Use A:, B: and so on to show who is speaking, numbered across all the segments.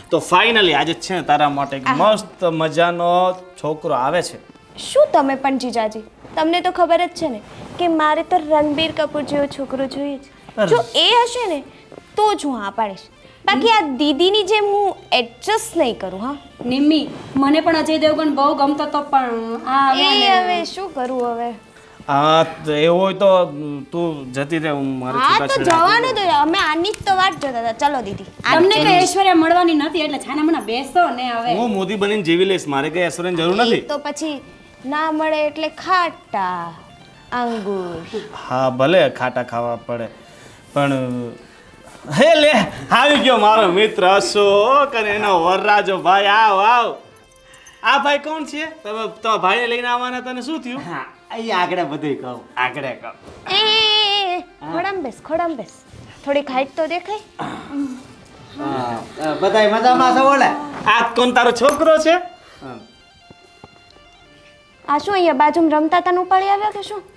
A: તો ફાઇનલી આજે છે ને તારા માટે એક મસ્ત મજાનો છોકરો આવે છે.
B: શું તમે પણ જીજાજી, તમને તો ખબર જ છે ને કે મારે તો રણબીર કપૂર જેવો છોકરો જોઈએ છે. જો એ હશે ને તો જ હું હા પાડીશ, બાકી આ દીદીની જેમ હું એડજસ્ટ નહીં કરું. હા
C: નિમ્મી, મને પણ અજય દેવગન બહુ ગમતો તો પણ આ
B: હવે શું કરું હવે?
A: હા તો એવું હોય તો તું જતી રહે, હું મારે
B: હા તો જવાનું તો અમે આની જ તો વાટ જોતા હતા. ચલો દીદી,
C: તમને કઈ ઐશ્વર્યા મળવાની નથી એટલે છાના મના બેસો ને હવે.
A: હું મોદી બનીને જીવી લઈશ, મારે કઈ એશ્વર્યની જરૂર નથી.
B: તો પછી ના મળે એટલે ખાટા અંગુર.
A: હા ભલે ખાટા ખાવા પડે, પણ હે લે આવી ગયો મારો મિત્ર અશોક અને એનો વરરાજો ભાઈ. આવ આવ. આ ભાઈ કોણ છે? તમે તો ભાઈને લઈને આવવાના, તને શું થયું?
D: હા અહીં આગળ બધું કહું, આગળ કહું.
B: એ ખોડામ બેસ. થોડીક હાઈટ તો દેખાય.
D: બધાય મજામાં છો? બોલે
A: આ કોણ તારો છોકરો છે?
B: આ શું અહીંયા બાજુમાં રમતા તને ઉપાડી આવ્યા કે શું?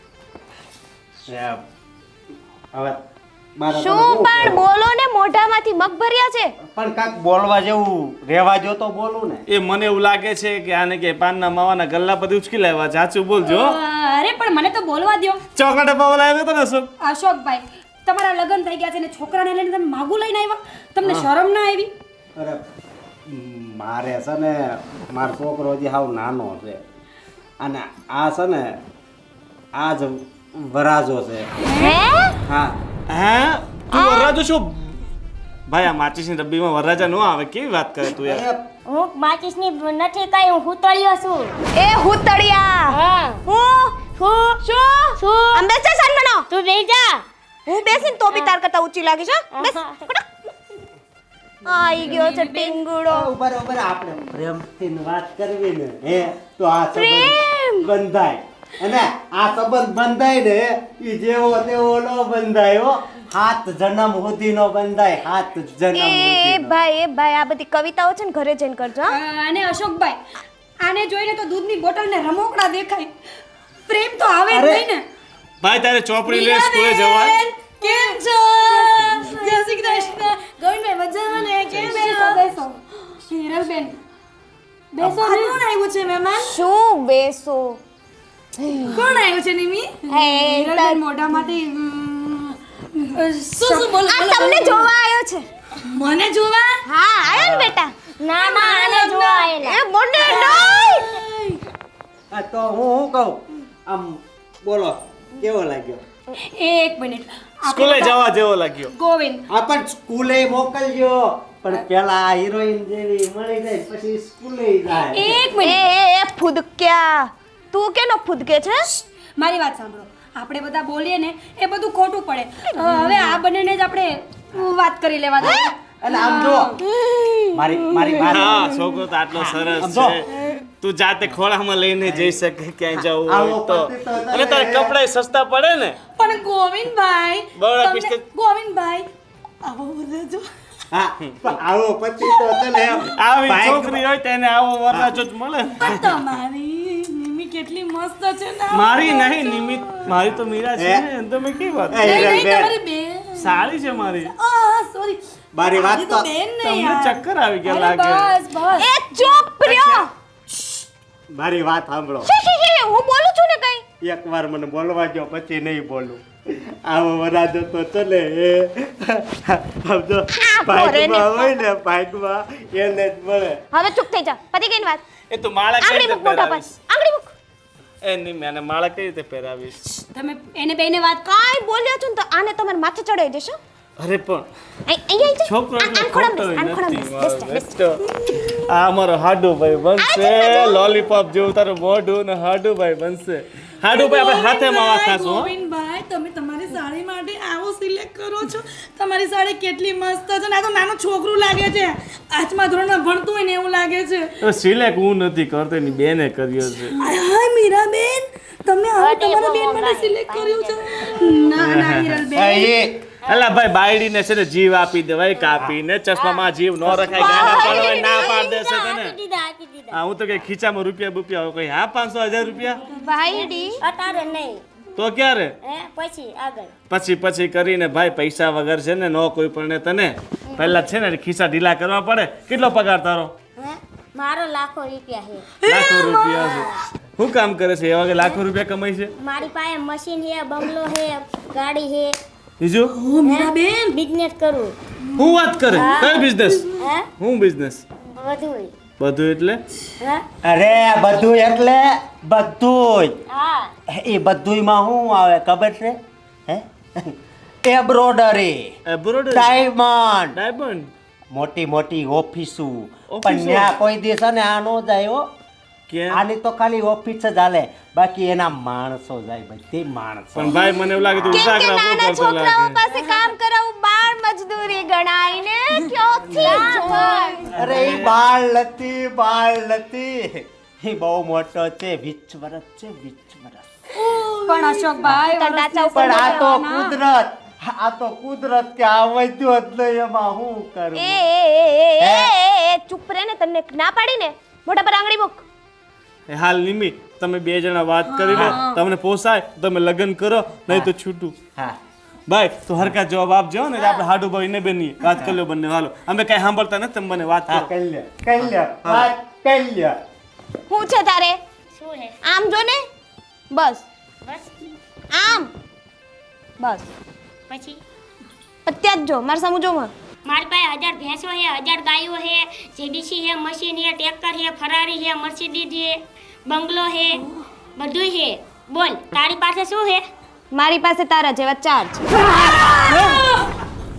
D: હવે મારા
B: શું પણ બોલો ને, મોઢામાંથી મગ ભર્યા છે.
D: પણ કાંક બોલવા જેવું રહેવા જો તો બોલું ને.
A: એ મને એવું લાગે છે કે આને કે પાનના માવાના ગલ્લા બધી ઉચકી લાવ્યા. ચાચું બોલજો.
C: અરે પણ મને તો બોલવા દ્યો.
A: ચોકલેટ પાવલ આવ્યો તો ને અશોક?
C: અશોકભાઈ, તમારા લગ્ન થઈ ગયા છે ને છોકરાને લઈને તમે માગું લઈને આવ્યા? તમને શરમ ના આવી?
D: અરે મારે છે ને મારો છોકરો હજી હાવ નાનો છે અને આ છે ને આ જ વરાજો છે.
B: હે?
D: હા
A: હે તું વરરાજો શું? ભાઈ આ માચીસની ડબ્બીમાં વરરાજા ન આવે, કેવી વાત કરે તું યાર?
E: હું માચીસની નથી કઈ, હું હુતળિયો છું.
B: એ હુતળિયા.
E: હા.
B: હું શું આમ બેસે સન્મનો.
E: તું બેસી જા.
B: હું બેસીને તો બી તાર કરતા ઊંચી લાગીશ. હા બેસ. આઈ ગયો છે ટીંગુડો.
D: બરોબર આપણે પ્રેમથી વાત કરવી ને હે તો આ સંબંધ બંધાય અને આ સંબંધ બંધાય ને ઈ જેવો તેવો નો બંધાય હો. 7 જન્મ સુધીનો બંધાય, 7 જન્મ
B: એ
D: સુધીનો.
B: ભાઈ આ બધી કવિતાઓ છે ને ઘરે જઈને કરજો. હા?
C: અને અશોકભાઈ, આને જોઈને તો દૂધની બોટલને રમોકડા દેખાય. પ્રેમ તો આવે જ નહીં ને.
A: ભાઈ તારે ચોપડી લે, સ્કૂલે જવાય.
C: બેન, કેમ છો? જય શ્રી કૃષ્ણ. ગોવિંદભાઈ મજામાં ને? કેમ છો? બેસો. હિરલબેન, બેસો. કોણ આવ્યું છે મહેમાન?
B: શું બેસો?
C: કોણ આવ્યું છે નિમી?
B: હે
C: હિરલબેન મોઢામાંથી શું બોલ?
B: આ તમને જોવા આવ્યો છે.
C: મને જોવા?
B: હા આયો ને બેટા.
E: ના આને જોવા આયેલા.
B: એ મોઢે નહીં.
D: આ તો હું કહું આમ બોલો કેવો લાગ્યો?
C: એક મિનિટ.
A: સ્કૂલે જવા જેવો લાગ્યો.
C: ગોવિંદ,
D: આ પણ સ્કૂલે મોકલજો, પણ પેલા આ હિરોઈન જેવી મળી જાય પછી સ્કૂલે જાય.
C: એક મિનિટ.
B: એ ફૂદક્યા, તું કેનો ફૂદકે છે?
C: મારી વાત સાંભળો. આપણે બધા બોલીએ ને એ બધું ખોટું પડે. હવે આ બંનેને જ આપણે વાત કરી લેવા દો.
D: અને આમ જો મારી વાત
A: હા છોકરો તો આટલો સરસ છે, તું જાતે ખોળામાં લઈને જઈ શકે ક્યાંય જવું
D: આવો
A: હોય તો.
D: પતિ તો તને-
A: અને તારે કપડાય સસ્તા પડે ને.
C: પણ ગોવિંદભાઈ,
A: બરાબર,
C: તમને-
A: બિસ્કિટ.
C: ગોવિંદભાઈ, આવો બોલજો.
D: હા પણ આવો પતિ તો તને
A: આવી
D: ભાઈ-
A: છોકરી હોય તેને આવો વરરાજો જ મળે.
C: પણ તમારી નિમી કેટલી મસ્ત છે ને.
A: મારી નહીં નિમિત, મારી તો મીરા છે ને. તમે કેવી વાત કરો?
D: એ
C: નહીં,
D: હિરલબેન,
C: તમારી બેન.
A: સારી છે મારી.
C: સોરી.
D: મારી વાત તો
C: બેન ને
A: તમને
C: યાર.
A: ચક્કર આવી ગયા
C: અરે
A: લાગે.
C: બસ બસ.
B: એ ચૂપ રહ્યો.
D: મારી વાત સાંભળો.
B: શી, હું બોલું છું ને કઈ.
D: એકવાર મને બોલવા દો પછી નહીં બોલું. આવો વરાજો તો ચલે એ સમજો ભાગમાં હોય ને ભાગમાં એને જ મળે.
B: હવે ચૂપ થઈ જા. પતી ગઈ ને વાત.
A: એ તો માળા કઈ
B: આંગળી
A: રીતે
B: મૂક મોઢા પર.
A: પહેરાવીશ?
B: આંગળી મૂક.
A: એ નહીં મેને માળા કઈ રીતે પહેરાવીશ?
C: તમે એને બેને વાત
B: કાંઈ બોલ્યો છું ને તો આને તમારે માથે ચડાઈ દેશો.
A: અરે પણ
B: અહીંયા આવી
A: છોકરો
B: જા. આન ખોડામ બેસ, બેસ, બેસ.
A: તો આ અમારો હાડુભાઈ બનશે. લોલીપોપ જેવું તારું મોઢું ને હાડુભાઈ બનશે. હાડુભાઈ આપણે હાથે માવા ખાશું હો.
C: ગોવિંદભાઈ, તમે તમારી સાડી માટે આવો સિલેક્ટ કરો છો. તમારી સાડી કેટલી મસ્ત છે ને. આ તો નાનું છોકરું લાગે છે. 8મા ધોરણમાં ભણતું હોય ને એવું લાગે છે.
A: તો સિલેક્ટ હું નથી કરતો, એની બેને કર્યો છે.
C: હાય મીરાબેન, તમે આવો તમારા બેન માટે સિલેક્ટ કર્યું છે. ના ના હિરલબેન,
A: અલા ભાઈ બાયડીને છે ને જીવ આપી દેવાય કાપીને. ચશ્મામાં જીવ ન રખાય, ગાના પડવાય ના પાડ દેશે તને.
E: આપી દીધા.
A: હા હું તો કઈ ખીચામાં રૂપિયા બુપિયા હોય કોઈ. હા 500 1000 રૂપિયા
B: વાયડી
E: અતારે નહીં.
A: તો ક્યારે
E: હે પછી આગળ
A: પછી કરીને ભાઈ પૈસા વગર છે ને નો કોઈ પણ તને પહેલા છે ને ખિસ્સા ઢીલા કરવા પડે. કેટલો પગાર તારો?
E: હે મારો લાખો રૂપિયા છે.
A: લાખો રૂપિયા છે. શું કામ કરે છે એવા કે લાખો રૂપિયા કમાય છે?
E: મારી પાસે મશીન છે, બંગલો છે, ગાડી છે.
A: બીજું
C: ઓ મીરાબેન
E: બિઝનેસ કરું.
A: હું વાત કરે? કઈ બિઝનેસ?
E: હે
A: હું બિઝનેસ?
E: બધું.
A: બધું એટલે
E: હે
D: અરે બધું એટલે બધું
E: હા
D: એ બધુંયમાં શું આવે ખબર છે હે એમ્બ્રોડરી
A: એબ્રોડ
D: ડાયમંડ
A: ડાયમંડ.
D: મોટી મોટી ઓફિસો
A: ઓફિસો?
D: પણ ત્યાં કોઈ દિવસ ને આ નો જાય હો.
A: કેમ?
D: આની તો ખાલી ઓફિસ જ હાલે, બાકી એના માણસો જાય, બધી માણસો.
A: પણ ભાઈ મને એવું લાગે તું
B: કેમ કે
A: ઉતાકરા બહુ
B: નાના
A: કરતો
B: છોકરાઓ
A: લાગે.
B: પાસે કામ કરાવવું બાળ મજદૂરી ગણાય ને ક્યાંથી જોય?
D: અરે એ બાળ નથી એ બહુ મોટો છે, 20 વર્ષ છે, 20 વર્ષ.
C: પણ અશોકભાઈ
B: તો નાચા ઉપર
D: પણ આ તો કુદરત કે આ વધ્યો જ નહીં, એમાં હું કરું?
B: એ ચૂપ રહે ને, તને ના પાડી ને મોઢા પર આંગળી મૂક.
A: એ હાલ નિમી તમે બે જણા વાત કરી લો, તમને પોસાય તો તમે લગ્ન કરો, નહીં તો છૂટું.
D: હા
A: ભાઈ તું હરકા જવાબ આપજો ને, આપણે હાડુ ભાઈ ને બેની વાત કરી લો બંને. હાલો અમે કઈ સાંભળતા નથી, તમે મને વાત
D: હા
A: કરો.
D: કરી લ્યો વાત કરી લ્યો.
B: હું છે તારે?
E: શું છે
B: આમ જો ને, બસ
E: બસ
B: આમ, બસ
E: પછી
B: અત્યારે જ જો મારા સામું જો માં.
E: મારી પાસે 1000 ભેંસો છે, 1000 ગાયો છે, જેડીસી છે, મશીન છે, ટ્રેક્ટર છે, ફરારી છે, મર્સિડીઝ છે, બંગલો છે, બધું છે. બોલ તારી પાસે શું છે?
B: મારી પાસે તારા જેવા ચાર છે.